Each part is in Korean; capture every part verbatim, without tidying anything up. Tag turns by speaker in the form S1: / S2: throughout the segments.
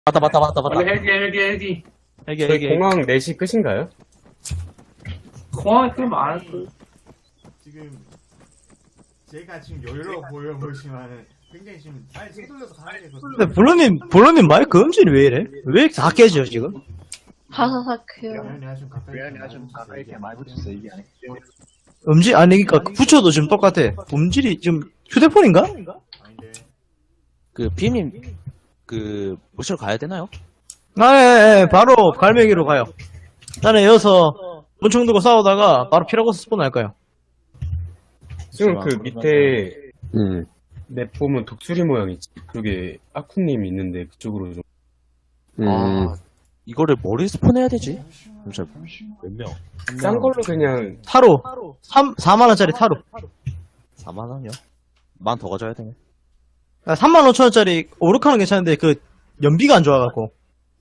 S1: 맞다 맞다 맞다 맞다.
S2: 원래 헬기 헬기 헬기
S1: 헬기
S3: 저희
S1: 헬기.
S3: 공항 네 시 끝인가요?
S2: 공항에 꽤 많을
S4: 지금 제가 지금 여유로워 보여 보이지만 굉장히 지금 아니 손 돌려서 가야 되거든요.
S5: 근데 블루님, 블루님 마이크 음질이 왜 이래? 왜 이렇게 다 깨져, 지금?
S6: 바사삭해요.
S4: 내가 좀 가까이
S7: 내가 좀 가까이 이렇게 많이 붙였어 이게 아니.
S5: 음질, 아니, 그니까, 붙여도 지금 똑같아. 음질이 지금 휴대폰인가?
S4: 아닌데
S1: 그 비엠님 그 모시러 가야 되나요?
S5: 아, 예, 예, 바로 갈매기로 가요. 나는 여기서 문총 들고 싸우다가 바로 피라고스 스폰 할 거예요.
S3: 지금 그 밑에
S1: 음.
S3: 맵 보면 독수리 모양이 그쪽에 아쿠님 있는데 그쪽으로 좀
S1: 아 이거를 머리 스폰해야 되지? 잠시만 몇 명?
S3: 싼 걸로 그냥
S5: 타로. 삼, 사만 원짜리 타로.
S1: 사만 원이요? 만 더 가져야 되네.
S5: 아, 삼만 오천 원짜리 오르카는 괜찮은데 그 연비가 안 좋아갖고.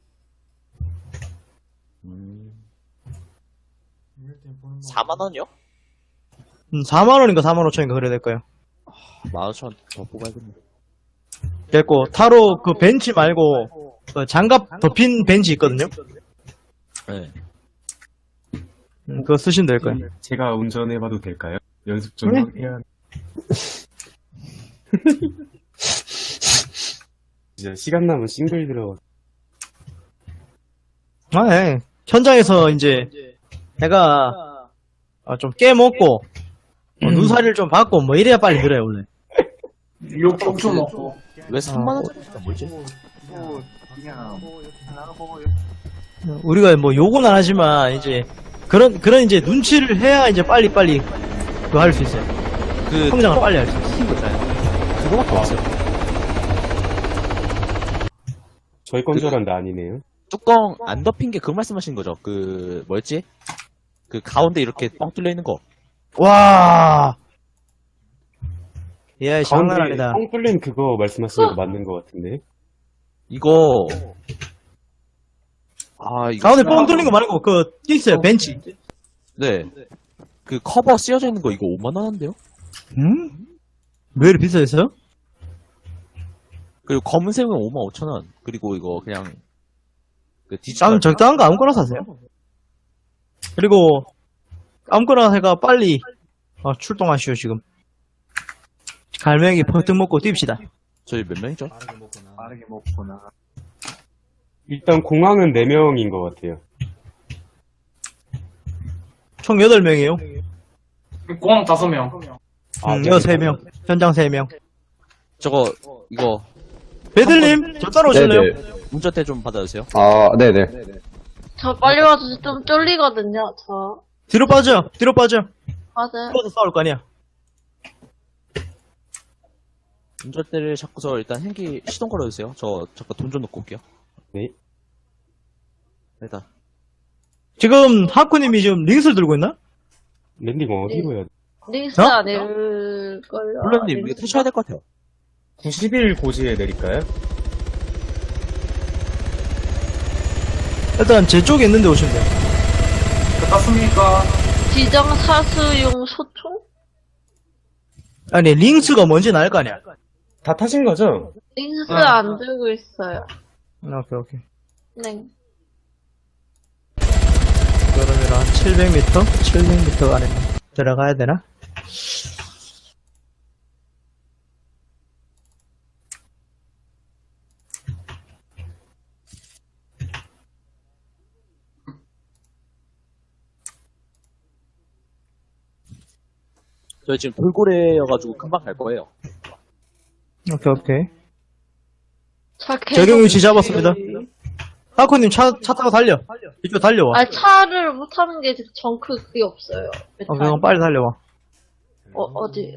S1: 음.
S4: 이럴 땐 보는 거
S1: 사만 원이요?
S5: 음, 사만 원인가 사만 오천인가 그래야 될 거예요.
S1: 만 오천 더 뽑아야겠네.
S5: 됐고, 타로 그 벤치 말고, 그 장갑 덮인 벤치 있거든요?
S1: 네.
S5: 음, 그거 쓰시면 될 거예요.
S3: 제가 운전해봐도 될까요? 연습 좀
S5: 네.
S3: 해야 진짜 시간 남은 싱글 들어
S5: 아, 예. 현장에서 이제 내가 아, 좀 깨먹고 뭐 눈살이를 좀 받고 뭐 이래야 빨리 늘어요 원래.
S2: 욕 엄청 먹고
S1: 왜 삼만 원짜리 뭐지?
S7: 또 그냥 나가고
S5: 우리가 뭐 욕은 안 하지만 이제 그런 그런 이제 눈치를 해야 이제 빨리 빨리 그거 할 수 있어요.
S1: 그
S5: 성장을 빨리 할 수 있어요.
S1: 그거밖에 없어요.
S3: 저희 건 줄 알았는데 아니네요.
S1: 뚜껑 안 덮인 게 그 말씀하시는 거죠? 그 뭐였지? 그 가운데 이렇게 뻥 뚫려 있는 거.
S5: 와. 예, 장난
S3: 가운데
S5: 아니다.
S3: 뻥 뚫린 그거 말씀하시는 거 맞는 거 같은데.
S1: 이거 아 이거
S5: 가운데 뻥 뚫린 거 말고 그 있어요 벤치.
S1: 네. 그 커버 씌워져 있는 거 이거 오만 원 한대요?
S5: 음? 왜 이렇게 비싸졌어요?
S1: 그리고 검은색은 오만 오천 원. 그리고 이거 그냥 그 디지털
S5: 좀 적당한 거 아무거나 사세요. 그리고 아무거나 해가 빨리 어, 출동하시오 지금. 갈매기 퍼뜩 먹고 뜁시다.
S1: 저희 몇 명이죠?
S4: 빠르게 먹거나
S7: 빠르게 먹거나.
S3: 일단 공항은 네 명인 것 같아요.
S5: 총 여덟 명이에요.
S2: 공항 다섯 명
S3: 아,
S5: 음,
S3: 네.
S5: 여섯 세 명. 현장 세 명.
S1: 저거 이거
S5: 배들님, 저 따라오실래요?
S1: 운전대 좀 받아주세요.
S8: 아, 네네.
S6: 저 빨리 와서 좀 쫄리거든요, 저.
S5: 뒤로 빠져. 뒤로 빠져.
S6: 맞아요.
S5: 뒤에서 싸울 거 아니야.
S1: 운전대를 잡고서 일단 행기 시동 걸어주세요. 저 잠깐 돈 좀 넣고 올게요.
S3: 네.
S1: 일단
S5: 지금 하쿠님이 지금 링스를 들고 있나?
S3: 랜딩 어디로 해야 돼?
S6: 링스
S5: 어?
S6: 아닐걸요.
S1: 블루님 이거 타셔야 될 것 같아요.
S3: 구십 일 고지에 내릴까요?
S5: 일단 제 쪽에 있는데 오시면 돼요.
S2: 땄습니까?
S6: 지정 사수용 소총?
S5: 아니, 링스가 뭔지 알 거 아니야.
S3: 다 타신 거죠?
S6: 링스
S2: 아.
S6: 안 들고 있어요.
S5: 오케이, 오케이.
S6: 네.
S5: 그러면 한 칠백 미터? 칠백 미터 안에 들어가야 되나?
S1: 저희 지금 돌고래여가지고 금방 갈 거예요.
S5: 오케이, 오케이.
S6: 차
S5: 적용 위치 잡았습니다. 하쿠님 차, 차 타고 달려. 이쪽 달려와.
S6: 아, 차를 못 타는 게 정크 그게 없어요.
S5: 어, 그럼 빨리 달려와.
S6: 어, 어디?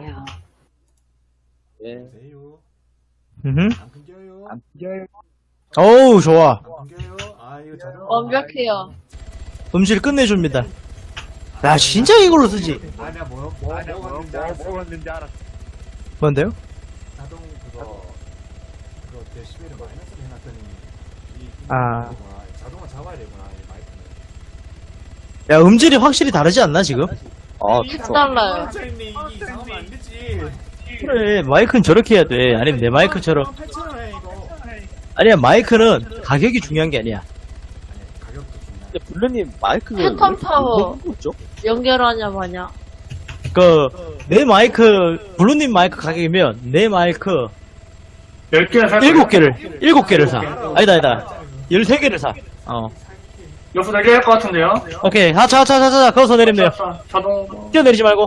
S1: 예.
S4: 세요
S5: 음.
S4: 안 끊겨요
S7: 안 뛰어요.
S5: 어우, 좋아.
S4: 안 끊겨요 아 이거 자동
S6: 완벽해요.
S5: 음질 끝내줍니다. 야, 진짜 이걸로 쓰지.
S4: 아 내가 뭐, 뭐,
S7: 아, 내가
S4: 뭐
S7: 뭐,
S4: 먹었는지
S7: 뭐
S4: 알았어
S7: 먹었는지 알았어.
S5: 뭔데요?
S4: 자동 그거 그거 데시벨을 마이너스로 해놨더니 이
S5: 아.
S4: 되구나. 자동화 잡아야 되구나 이 마이크는
S5: 야, 음질이 확실히 다르지 않나, 지금?
S1: 아
S6: 딱 달라요.
S4: 이 이게 이상하면 안 되지
S5: 그래, 마이크는 저렇게 해야 돼. 아니면 내 마이크처럼.
S4: 팔천 원에 이거
S5: 아니야, 마이크는 가격이 중요한 게 아니야.
S4: 가격도 중요해.
S1: 근데 블루님 마이크
S6: 패턴 파워.
S1: 뭐죠?
S6: 연결하냐 마냐.
S5: 그, 내 마이크, 블루님 마이크 가격이면, 내 마이크,
S2: 열 개를 살
S5: 일곱
S2: 거예요?
S5: 개를, 일곱 개를 사. 아니다, 아니다. 열세 개를 사. 어.
S2: 여기서 내게 할 것 같은데요?
S5: 오케이. 자, 자, 자, 자, 자, 거기서 내리면 돼요.
S2: 자, 자동.
S5: 뛰어내리지 말고.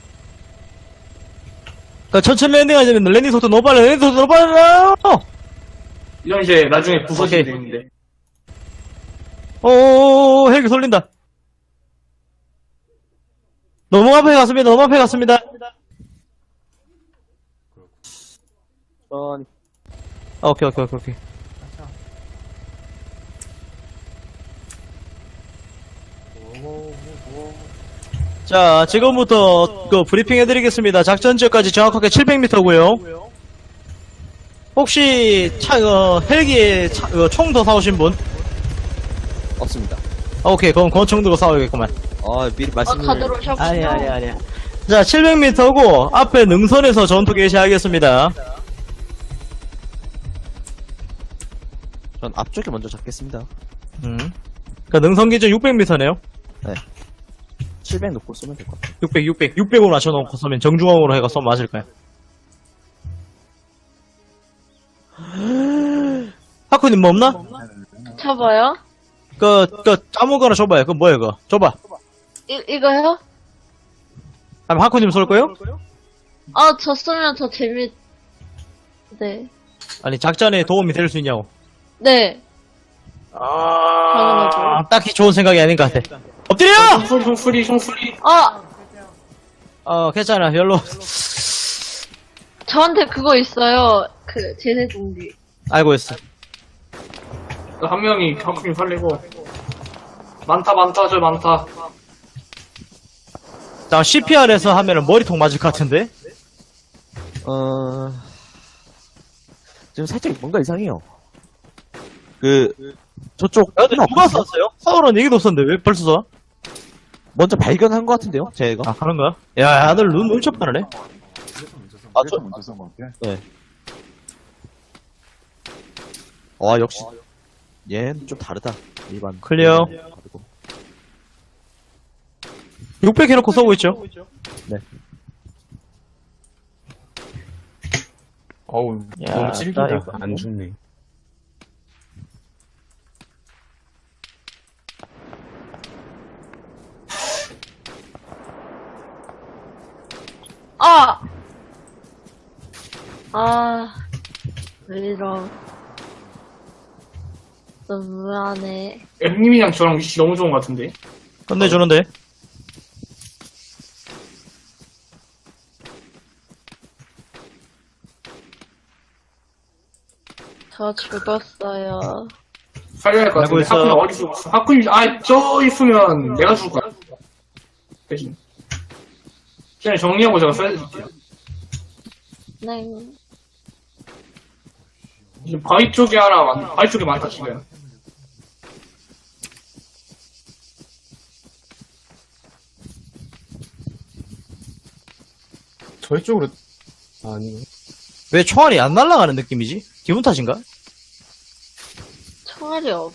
S5: 그, 천천히 랜딩 하자면, 랜딩 속도 너무 빨라, 랜딩 속도 너무 빨라!
S2: 이건 이제 나중에 부서지게
S5: 오케이.
S2: 되는데.
S5: 오오오오, 헬기 돌린다. 너무 앞에 갔습니다, 너무 앞에 갔습니다.
S1: 천천히.
S5: 아, 오케이, 오케이, 오케이, 오케이. 자, 지금부터 그 브리핑 해드리겠습니다. 작전 지역까지 정확하게 칠백 미터고요. 혹시 차, 어, 헬기에 차, 어, 총 더 사오신 분?
S1: 없습니다.
S5: 아, 오케이, 그럼 권총 들고 싸워야겠구만.
S1: 아 미리
S6: 아,
S1: 말씀을.
S6: 다들 오셨구나.
S5: 아니야, 아니야, 아니야. 자, 칠백 미터고 앞에 능선에서 전투 개시하겠습니다.
S1: 전 앞쪽에 먼저 잡겠습니다.
S5: 음. 그 능선 기준 육백 미터네요.
S1: 칠백 놓고 쏘면 될 것 같아요.
S5: 육백, 육백, 육백으로 맞춰놓고 쏘면 정중앙으로 해가 쏘면 맞을 거야. 하쿠님 뭐 없나?
S6: 쳐봐요.
S5: 그, 그, 아무거나 줘봐요. 그 뭐야, 그거. 줘봐.
S6: 이, 이거요?
S5: 그럼 하쿠님 쏠 거요?
S6: 아, 저 쓰면 더 재밌, 네.
S5: 아니, 작전에 도움이 될 수 있냐고.
S6: 네.
S5: 아, 딱히 좋은 생각이 아닌 것 같아. 엎드려!
S2: 총소리, 총소리, 총소리.
S6: 아,
S5: 어, 괜찮아. 별로.
S6: 저한테 그거 있어요. 그, 제세 준비.
S5: 알고 있어.
S2: 한 명이 경크님 살리고. 많다, 많다, 저 많다.
S5: 자, 씨피알에서 하면은 머리통 맞을 것 같은데?
S1: 어 지금 살짝 뭔가 이상해요. 그 저쪽
S5: 야, 근데 누가 쐈어요? 서울은 얘기도 없었는데 왜 벌써 쏴?
S1: 먼저 발견한 것 같은데요, 제가.
S5: 아, 그런 거야? 야, 아들 눈 엄청 빠르네.
S1: 아,
S7: 그래서
S1: 저-
S7: 먼저 쓴 건데.
S1: 와 역시 얘는 좀 다르다. 일반
S5: 클리어.
S1: 다르고.
S5: 육백 해놓고 쏘고 있죠?
S3: 어우,
S5: 야,
S3: 너무 찔긴다.
S5: 나 이거-
S3: 안 죽네.
S6: 아! 아, 왜 이러. 너무하네.
S2: 엠님이랑 저랑 위치 너무 좋은 것 같은데.
S5: 끝내주는데?
S6: 저 죽었어요.
S2: 살려야 할 것
S5: 알고
S2: 같은데.
S5: 있어.
S2: 하쿠님 어디 죽었어? 하쿠님, 아, 저 있으면 내가 죽을 거야. 대신. 그냥 정리하고 제가 써야될게요.
S6: 네.
S2: 지금 바위 쪽에 하나, 많- 바위 쪽에 많다, 지금.
S3: 저희 쪽으로, 아니,
S5: 왜 총알이 안 날아가는 느낌이지? 기분 탓인가?
S6: 총알이 없.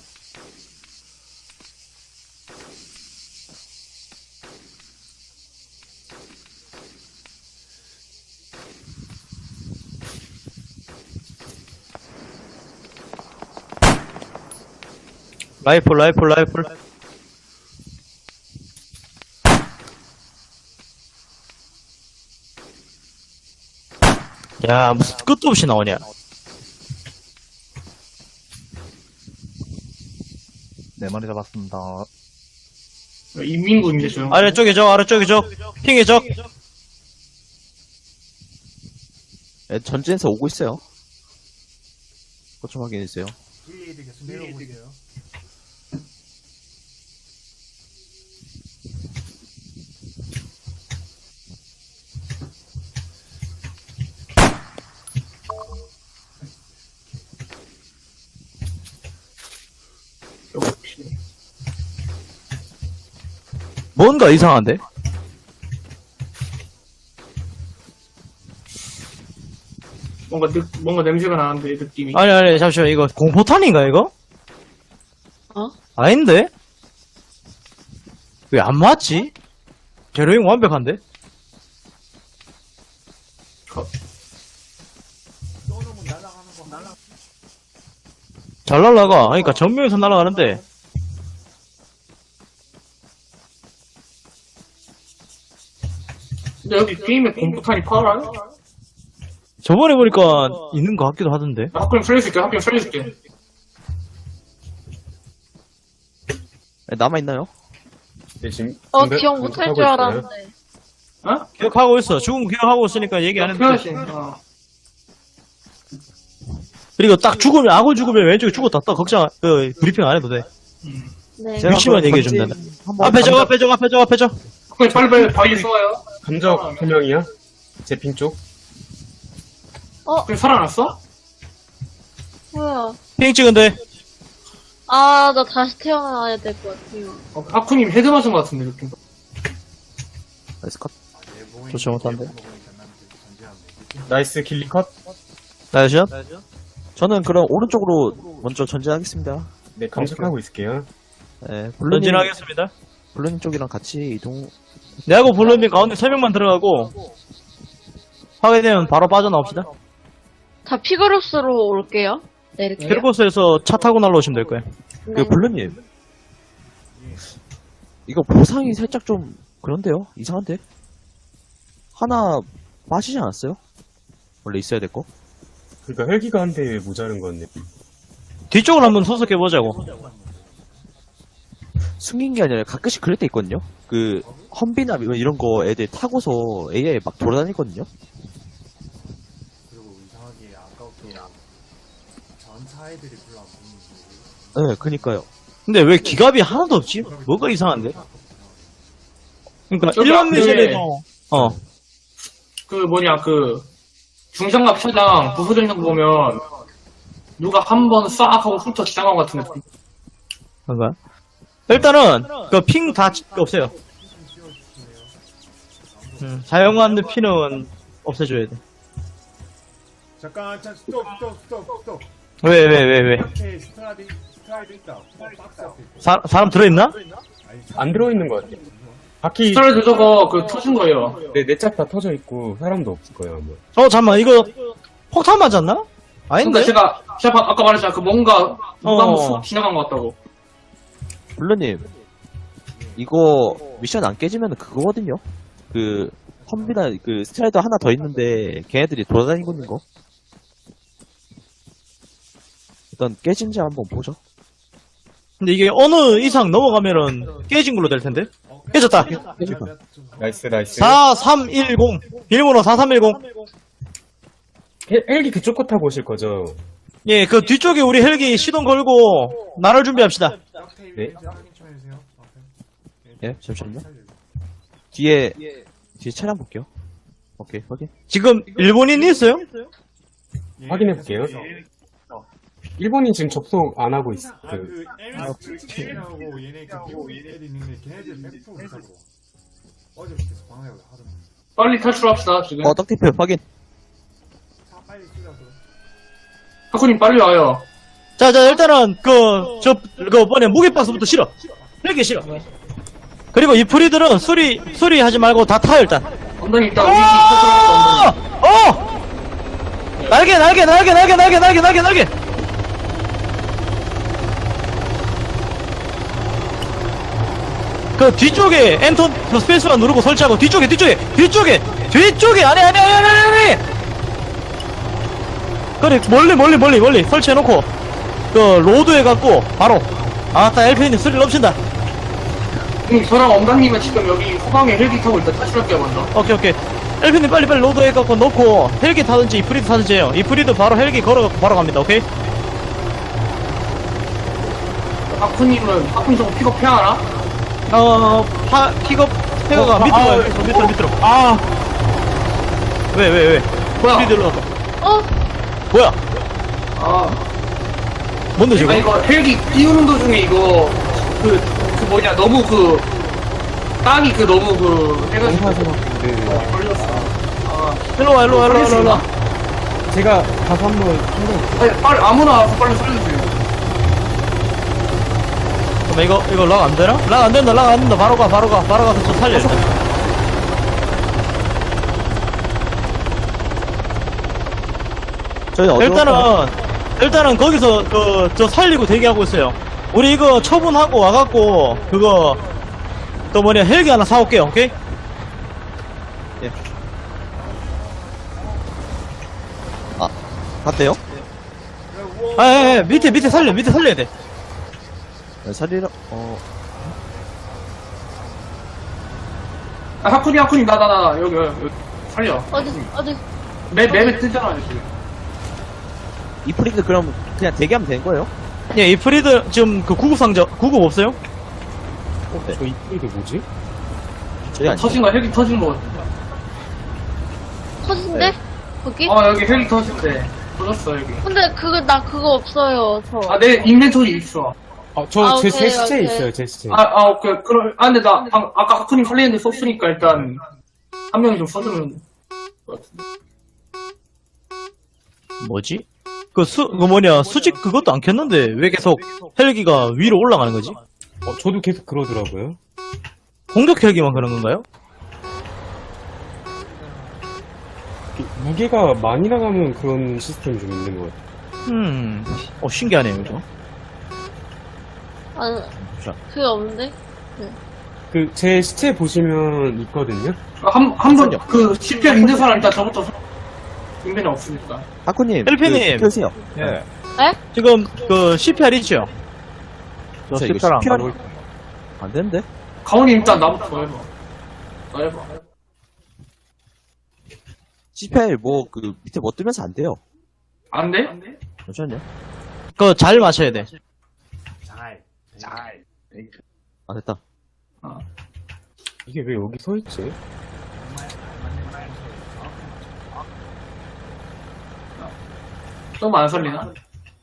S5: 라이플, 라이플, 라이플. 야, 무슨 끝도 없이 나오냐.
S7: 네 마리 잡았습니다.
S2: 인민군인데, 저 형.
S5: 아래쪽에 적, 아래쪽에 적. 핑에 적.
S1: 예, 전진에서 오고 있어요. 그것 좀 확인해주세요.
S4: 브이에이드 계속 내려오세요.
S2: 역시.
S5: 뭔가 이상한데?
S2: 뭔가 느, 뭔가 냄새가 나는데 느낌이.
S5: 아니, 아니, 잠시만, 이거 공포탄인가, 이거?
S6: 어?
S5: 아닌데? 왜 안 맞지? 제로잉 완벽한데?
S4: 쏘놓으면 날아가는 거 날아.
S5: 잘 날라가. 그러니까 전면에서 날아가는데.
S2: 근데 여기 게임에 공포탄이 팔아요?
S5: 저번에 보니까 있는 것 같기도 하던데.
S2: 나 학교는 살려줄게. 학교는 살려줄게.
S1: 네, 남아있나요?
S3: 네, 지금
S6: 어,
S3: 공격-
S6: 기억 못할
S3: 공격하고
S6: 줄
S3: 있어요.
S6: 알았는데.
S2: 어?
S5: 기억하고 있어. 죽음 기억하고 있으니까 얘기 안 했는데.
S2: 해야지. 어.
S5: 그리고 딱 죽으면, 아군 죽으면 왼쪽에 죽었다. 딱 걱정, 그, 브리핑 안 해도 돼.
S6: 네.
S1: 제가
S5: 위치만
S1: 그럼
S5: 얘기해주면
S1: 전진
S5: 된다.
S1: 한번
S5: 앞에 저,
S1: 감자-
S5: 앞에 저, 앞에 저, 앞에 저.
S2: 학교는 빨리 빨리 바위 쏘아요.
S3: 감적 한 명이야? 제 핑 쪽?
S2: 학교는 살아났어?
S6: 뭐야.
S5: 핑 찍은데.
S6: 아, 나 다시 태어나야 될 것 같아요.
S2: 어, 하쿠님 헤드 맞은 것 같은데 느낌.
S1: 나이스 컷.
S5: 좋지 못한데.
S3: 나이스 길리 컷?
S5: 나이샷?
S1: 저는 그럼 오른쪽으로 먼저 전진하겠습니다.
S3: 네, 감적하고 있을게요.
S1: 네, 블루님,
S5: 전진하겠습니다.
S1: 블루님 쪽이랑 같이 이동.
S5: 내하고 블루님 가운데 세 명만 들어가고, 파괴되면 바로 빠져나옵시다.
S6: 다 피그룹스로 올게요. 네, 이렇게.
S5: 캐르코스에서 차 타고 날라오시면 될 거예요.
S6: 네.
S1: 그 블루님. 이거 보상이 살짝 좀 그런데요? 이상한데? 하나 빠지지 않았어요? 원래 있어야 될 거?
S3: 그러니까 헬기가 한 대 모자른 건데.
S5: 뒤쪽으로 한번 소속해보자고.
S1: 숨긴 게 아니라 가끔씩 그럴 때 있거든요? 그, 험비나 뭐 이런 거 애들 타고서 에이아이 막 돌아다니거든요?
S4: 그리고 이상하게 아까부터 전차 애들이 별로 안 보이는데.
S1: 네, 그니까요.
S5: 근데 왜 기갑이 하나도 없지? 뭐가 이상한데? 그러니까
S2: 저기
S5: 일반
S2: 앞에-
S5: 미션에도 어
S2: 그 뭐냐 그 중장갑 차장 부서져 있는 거 보면 누가 한 번 싹 하고 훑어 지나간 것 같은 느낌.
S5: 그런가? 일단은 그 핑 다 없애요. 음, 사용하는 피는 없애줘야 돼.
S4: 잠깐, 잠 스톱, 스톱, 스톱, 스톱.
S5: 왜 왜 왜 왜?
S4: 앞에 스트라디, 스트라이드 있다. 어, 박스 앞에.
S5: 사, 사람 들어있나?
S4: 아니,
S3: 안 들어있는 것 같아. 바퀴,
S2: 스타일드 저거 그 터진 거예요.
S3: 네, 넷짝 다 터져 있고, 사람도 없을 거예요, 아마.
S5: 어 잠만 이거 폭탄 맞았나? 아닌데?
S2: 그러니까 제가 제가 방- 아까 말했잖아 그 뭔가 누가 한번
S5: 어.
S2: 쑥 지나간 것 같다고.
S1: 블루님. 이거 미션 안 깨지면 그거거든요? 그, 험비나 그 스트라이더 하나 더 있는데 걔네들이 돌아다니고 있는 거. 일단 깨진지 한번 보죠.
S5: 근데 이게 어느 이상 넘어가면은 깨진 걸로 될 텐데. 깨졌다.
S3: 나이스, 나이스.
S5: 사삼일공 비밀번호 사삼일공.
S3: 헬, 헬기 그쪽 거 타고 오실 거죠?
S5: 예, 그 뒤쪽에 우리 헬기 시동 걸고 나를 준비합시다.
S3: 네.
S4: 확인 좀 해주세요. 앞에.
S1: 예, 잠시만요. 뒤에, 뒤에 차량 볼게요. 오케이, 확인.
S5: 지금 일본인이 있어요?
S4: 예,
S3: 확인해볼게요. 일본인 지금 접속 안 하고 있어.
S4: 아,
S3: 그,
S4: 그, 엠에스하고 얘네 그 미국 애들 있는데 걔네들 백 퍼센트 있다고. 어제부터 계속 방해하고 하던데.
S2: 빨리 탈출합시다 지금.
S1: 어, 떡티표 확인.
S4: 차 빨리 뛰라고.
S2: 하쿠님 빨리 와요.
S5: 자, 자, 일단은, 그, 저, 그, 뭐냐, 무게박스부터 실어. 헬기 실어. 그리고 이 프리들은 수리, 수리하지 말고 다 타요, 일단.
S2: 엉덩이 있다. 우리 탈출합시다.
S5: 어! 어! 날개, 날개, 날개, 날개, 날개, 날개, 날개, 날개! 그 뒤쪽에 엔터 그 스페이스바 누르고 설치하고 뒤쪽에 뒤쪽에 뒤쪽에 뒤쪽에 아니 아니 아니 아니 아니 그래 멀리 멀리 멀리 멀리 설치해놓고 그 로드 해갖고 바로 아따 엘피님 스릴 넘친다.
S2: 응, 저랑 엉덩님은 지금 여기 후방에 헬기 타고 일단 탈출할게요 먼저.
S5: 오케이 오케이 엘피님 빨리 빨리 로드 해갖고 넣고 헬기 타든지 이프리드 타든지 해요. 이프리드 바로 헬기 걸어갖고 바로 갑니다. 오케이.
S2: 하쿠님은 하쿠님 저거 픽업해야 하나?
S5: 어 파, 픽업 태그가
S3: 어,
S5: 밑으로
S3: 아,
S5: 가요.
S3: 아,
S5: 밑으로 밑으로 밑으로. 아 왜 왜 왜?
S2: 뭐야?
S5: 프리드로 갔다.
S6: 어?
S5: 뭐야?
S2: 아,
S5: 뭔데 지금?
S2: 아 이거 헬기 띄우는 도중에 이거 그, 그 뭐냐 너무 그 땅이 그 너무 그 해가지고
S3: 네.
S2: 걸렸어. 아,
S5: 일로 와 일로 와 일로 와 일로 와.
S3: 제가 가서 한번 한번
S2: 아니, 빨리, 아무나 와서 빨리 살려주세요.
S5: 그럼 이거, 이거 락 안 되나? 락 안 된다, 락 안 된다. 바로 가, 바로 가, 바로 가서 저 살려. 일단.
S1: 저희 어디
S5: 일단은, 일단은 거기서, 그, 저 살리고 대기하고 있어요. 우리 이거 처분하고 와갖고, 그거, 또 뭐냐, 헬기 하나 사올게요, 오케이?
S1: 갔대요?
S5: 아, 예, 예, 밑에, 밑에 살려, 밑에 살려야 돼.
S1: 네, 살리러 어
S2: 아, 하쿠니, 하쿠니, 나, 나, 나, 여기, 여기, 여기. 살려.
S6: 어디, 어디.
S2: 맵, 맵에 뜨잖아, 지금.
S1: 이프리드 그럼 그냥 대기하면 되는 거예요?
S5: 예, 이 프리드, 지금 그 구급 상자, 구급 없어요?
S3: 어, 저 이게 뭐지?
S1: 저희 아니에요?
S2: 터진 거, 헬기 터진 거 같은데.
S6: 터진데? 거기?
S2: 어, 여기 헬기 터진대. 터졌어, 여기.
S6: 근데 그거, 나 그거 없어요, 저.
S2: 아, 내 인벤토리 있어.
S3: 아, 저,
S6: 아,
S3: 제,
S6: 오케이,
S3: 제 시체
S6: 오케이.
S3: 있어요, 제 시체.
S2: 아, 아, 오케이. 그럼, 아, 근데 나, 방, 아까 하쿠님 살리는데 썼으니까 일단, 한 명이 좀 써주면.
S5: 뭐지? 그 수, 그 뭐냐, 수직 그것도 안 켰는데, 왜 계속 헬기가 위로 올라가는 거지?
S3: 어, 저도 계속 그러더라고요.
S5: 공격 헬기만 그런 건가요?
S3: 무게가 많이 나가면 그런 시스템이 좀 있는 것 같아요.
S5: 음, 어, 신기하네요, 이거.
S6: 아, 그게 없는데?
S3: 그, 제 시체 보시면 있거든요?
S2: 한, 한 번, 그, 씨피알 있는 사람 일단 저부터 인벤이 없으니까.
S1: 하쿠님
S5: 헬피님.
S1: 그, 켜세요.
S7: 예.
S5: 지금, 그, 씨피알 있죠?
S7: 저
S1: 저 이거
S7: 십자랑 안
S1: 씨피알
S7: 가고
S1: 안 되는데?
S2: 가온이 일단 나부터 해봐. 나 해봐.
S1: 씨피알 뭐 그 밑에 뭐 뜨면서 안 돼요.
S2: 안 돼?
S1: 잠시만요.
S5: 그거 잘 마셔야 돼.
S1: 아 됐다.
S3: 이게 왜 여기 서 있지?
S2: 좀 안 살리나?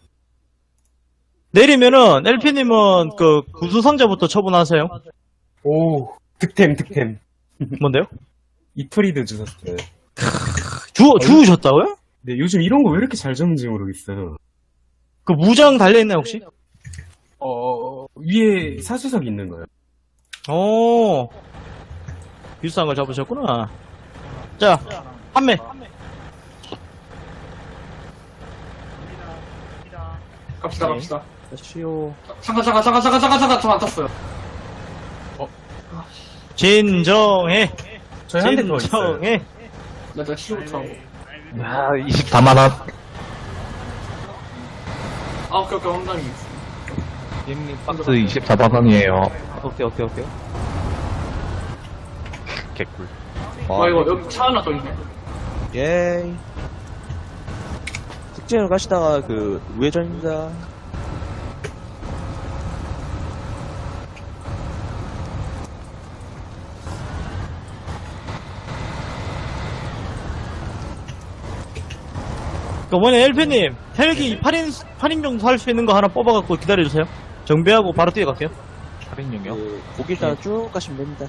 S5: 내리면은, 엘피님은 그, 구수상자부터 처분하세요.
S3: 오, 득템, 득템.
S5: 뭔데요?
S3: 이프리드 주셨어요.
S5: 주, 주우셨다고요?
S3: 근데 요즘 이런 거 왜 이렇게 잘 잡는지 모르겠어요.
S5: 그 무장 달려있나요, 혹시?
S3: 어, 위에 사수석 있는 거예요.
S5: 오, 비싼 걸 잡으셨구나. 자, 판매.
S2: 갑시다, 갑시다.
S1: 쉬오.
S2: 잠깐, 잠깐, 잠깐, 잠깐, 잠깐, 잠깐, 저안 탔어요.
S5: 진정해.
S3: 저희 한 대 더 있어요.
S5: 진정해.
S2: 나 일단 시부터 하고.
S7: 야, 이십사만 원.
S2: 아, 오케이, 오케이, 황당이 있어.
S7: 박스 이십사만 원이에요.
S1: 오케이 오케이 오케이.
S7: 개꿀.
S2: 와, 이거, 여기 차 하나 더 있네.
S1: 예이. 직진으로 가시다가 그 우회전입니다.
S5: 그 뭐냐, 엘피님. 헬기 팔 인, 팔 인 정도 할 수 있는 거 하나 뽑아갖고 기다려주세요. 정비하고 바로 뛰어갈게요.
S7: 할인용이요?
S1: 그 고기 따라 쭉 가시면 됩니다.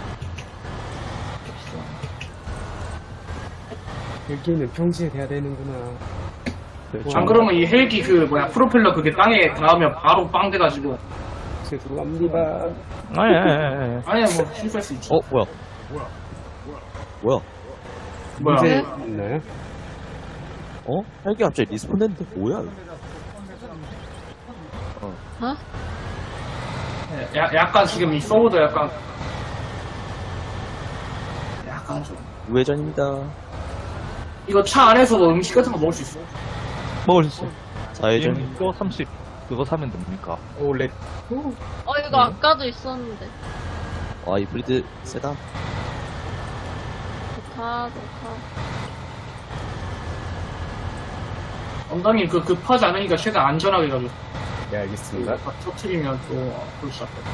S3: 여기는 평시에 돼야 되는구나.
S2: 안 그러면 이 헬기 그, 뭐야, 프로펠러 그게 땅에 닿으면 바로 빵 돼가지고.
S3: 죄송합니다.
S5: 아니, 아니, 아니, 아니.
S2: 아니야, 뭐, 실수할 수 있지.
S1: 어 뭐야? 뭐야?
S2: 뭐야.
S3: 문제 있나요?
S1: 어? 헬기 갑자기 리스폰 됐는데 뭐야? 이거?
S6: 어?
S2: 야, 약간 지금 이 서버도 약간. 약간 좀.
S1: 우회전입니다.
S2: 이거 차 안에서도 음식 같은 거 먹을 수 있어.
S5: 먹을 수 있어.
S1: 좌회전.
S7: 이거 삼십. 그거 사면 됩니까?
S3: 오, 렛.
S6: 어, 이거 아까도 있었는데.
S1: 와 이브리드 세다.
S6: 좋다, 좋다.
S2: 엉덩이 그 급하지 않으니까 최대한 안전하게 가지고.
S3: 네, 알겠습니다.
S2: 다 터트리면 또, 그럴 수 있다.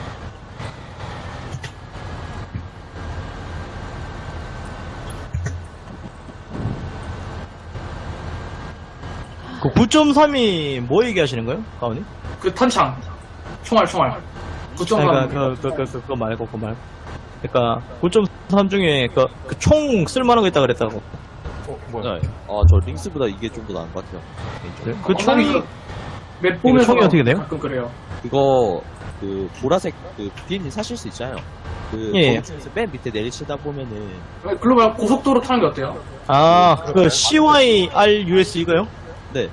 S5: 그 구 점 삼이 뭐 얘기하시는 거예요? 가은이?
S2: 그 탄창. 총알, 총알. 구 점
S5: 그러니까
S2: 삼.
S5: 그, 그, 그, 그, 그거 말고, 그거 말고. 그니까, 구 점 삼 중에, 그, 그 총 쓸만한 거 있다 그랬다고.
S3: 어, 뭐야?
S1: 네. 아, 저 링스보다 이게 좀 더 나은 것 같아요. 개인적으로.
S5: 그 총이,
S2: 맵 보면서
S5: 총이 어떻게 돼요?
S2: 가끔 그래요.
S1: 그거 그 보라색 그 비행기 사실 수 있잖아요. 그
S5: 예.
S1: 거기서 맨 밑에 내리시다 보면은
S2: 아니, 글로벌 고속도로 타는 게 어때요?
S5: 아, 그 씨와이알유에스 이거요?
S1: 네.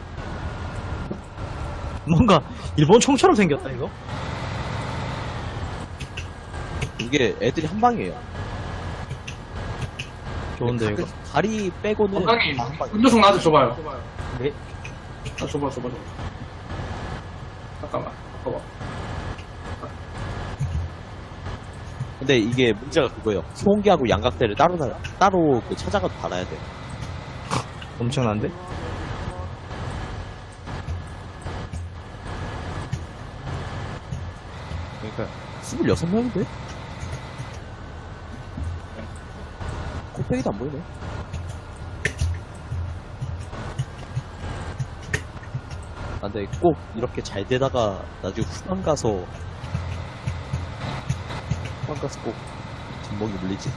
S5: 뭔가 일본 총처럼 생겼다 이거.
S1: 이게 애들이 한 방이에요.
S5: 좋은데 이거.
S1: 가끔 다리 빼고는
S2: 원장님,
S1: 다한 방이에요.
S2: 운전석 나한테 줘봐요.
S5: 네.
S2: 아, 줘봐, 줘봐, 줘봐. 잠깐만, 봐봐.
S1: 근데 이게 문제가 그거예요. 소음기하고 양각대를 따로 다- 따로 그 찾아가도 달아야 돼요.
S5: 엄청난데?
S1: 그러니까 스물여섯 명인데? 코빼기도 안 보이네. 아, 근데 꼭 이렇게 잘 되다가 나중에 후반 가서 후반 가서 꼭 뒷목이 물리지.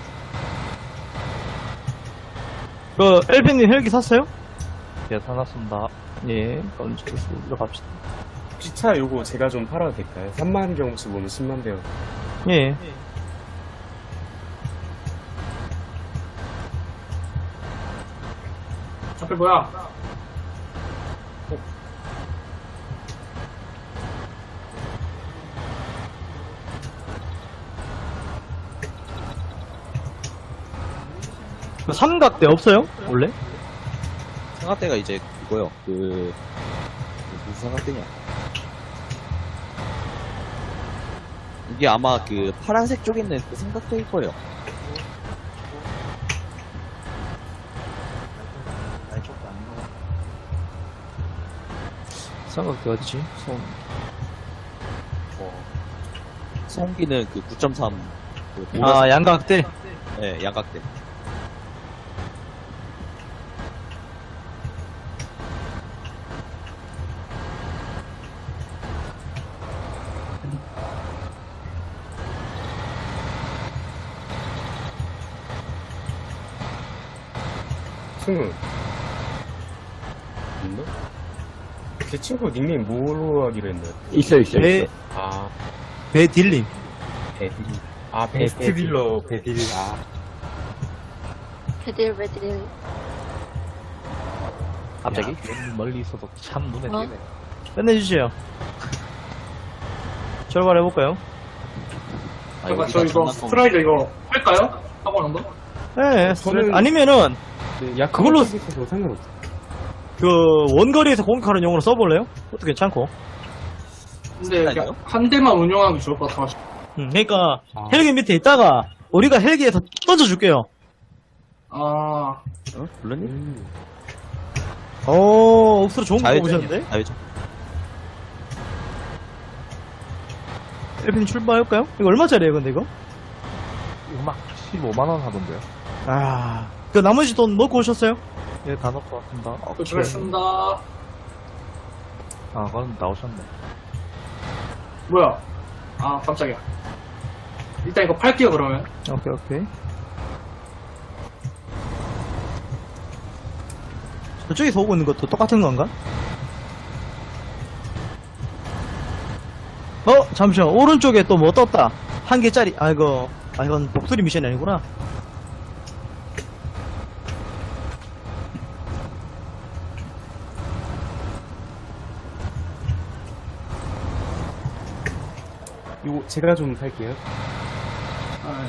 S5: 그 엘빈님 헬기 샀어요?
S7: 예, 사놨습니다.
S5: 예. 그럼 저기서 들어갑시다.
S3: 혹시 차 요거 제가 좀 팔아도 될까요? 삼만 경수 보면 십만 대요.
S5: 예.
S2: 앞에 뭐야?
S5: 그 삼각대 없어요? 원래?
S1: 삼각대가 이제 그거요. 그, 그 무슨 삼각대냐? 이게 아마 그 파란색 쪽에 있는 그 삼각대일 거예요.
S5: 삼각대 어디지? 손.
S1: 소음기는 그 구 점 삼. 그
S5: 아,
S1: 보라색-
S5: 양각대.
S1: 네, 양각대.
S3: 승우. 있나? 제 친구 닉네임 뭐로 하기로 했나요?
S7: 있어, 있어,
S5: 배,
S3: 아,
S5: 배딜림.
S3: 베딜. 아, 베스트 딜러 베딜. 아,
S6: 베딜, 베딜.
S7: 갑자기? 멀리 있어도 참 눈에
S6: 어?
S7: 띄네.
S5: 끝내주세요. 출발해볼까요?
S1: 아,
S2: 잠깐,
S1: 여기가
S2: 저 이거
S1: 장난감.
S2: 스트라이더 이거 할까요? 하고 는 거?
S5: 네,
S3: 저는-
S5: 아니면은,
S3: 네, 약
S5: 그걸로-
S3: 있어서 상관없어.
S5: 그, 원거리에서 공격하는 용으로 써볼래요? 그것도 괜찮고.
S2: 근데
S1: 스트라이더요?
S2: 그냥 한 대만 운영하기 좋을 것 같아가지고.
S5: 음, 그러니까,
S3: 아.
S5: 헬기 밑에 있다가, 우리가 헬기에서 던져줄게요.
S2: 아,
S1: 어? 블루님?
S3: 음.
S5: 오, 옥수로 좋은 거
S1: 자유전.
S5: 뽑으셨는데?
S1: 자유전.
S5: 엘빈 출발해볼까요? 이거 얼마짜리예요, 근데 이거?
S7: 이거 막 십오만 원 하던데요.
S5: 아, 그 나머지 돈 넣고 오셨어요?
S7: 예, 다 넣고 왔습니다.
S2: 도착했습니다.
S7: 아, 그건 나오셨네.
S2: 뭐야? 아, 깜짝이야. 일단 이거 팔게요, 그러면.
S5: 오케이, 오케이. 저쪽에서 오고 있는 것도 똑같은 건가? 어, 잠시만. 오른쪽에 또 뭐 떴다. 한 개짜리. 아, 이거. 아, 이건 복수리 미션이 아니구나.
S3: 요거 제가 좀 탈게요.
S2: 아,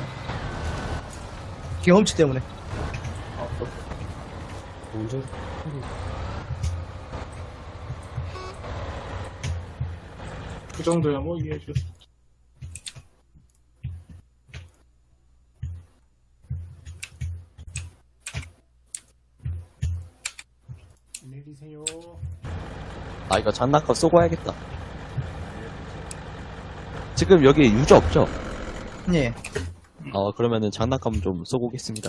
S5: 경험치 때문에.
S2: 아, 또.
S3: 운전.
S2: 그 정도야, 뭐, 이해해 주세요.
S4: 내리세요.
S1: 아, 이거 장난감 쏘고 와야겠다. 지금 여기 유저 없죠?
S5: 예.
S1: 어, 그러면은 장난감 좀 쏘고 오겠습니다.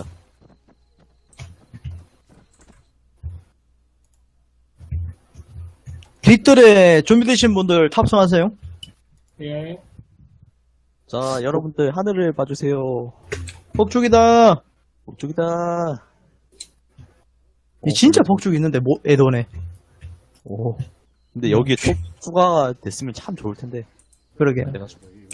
S5: 뒷뜰에 준비되신 분들 탑승하세요.
S2: 예.
S1: 자, 여러분들 하늘을 봐주세요.
S5: 폭죽이다.
S1: 목적이다.
S5: 이 진짜 폭죽 있는데 뭐 애도네. 오
S1: 근데 여기에 또 추가가 됐으면 참 좋을 텐데.
S5: 그러게.
S1: 그래가지고.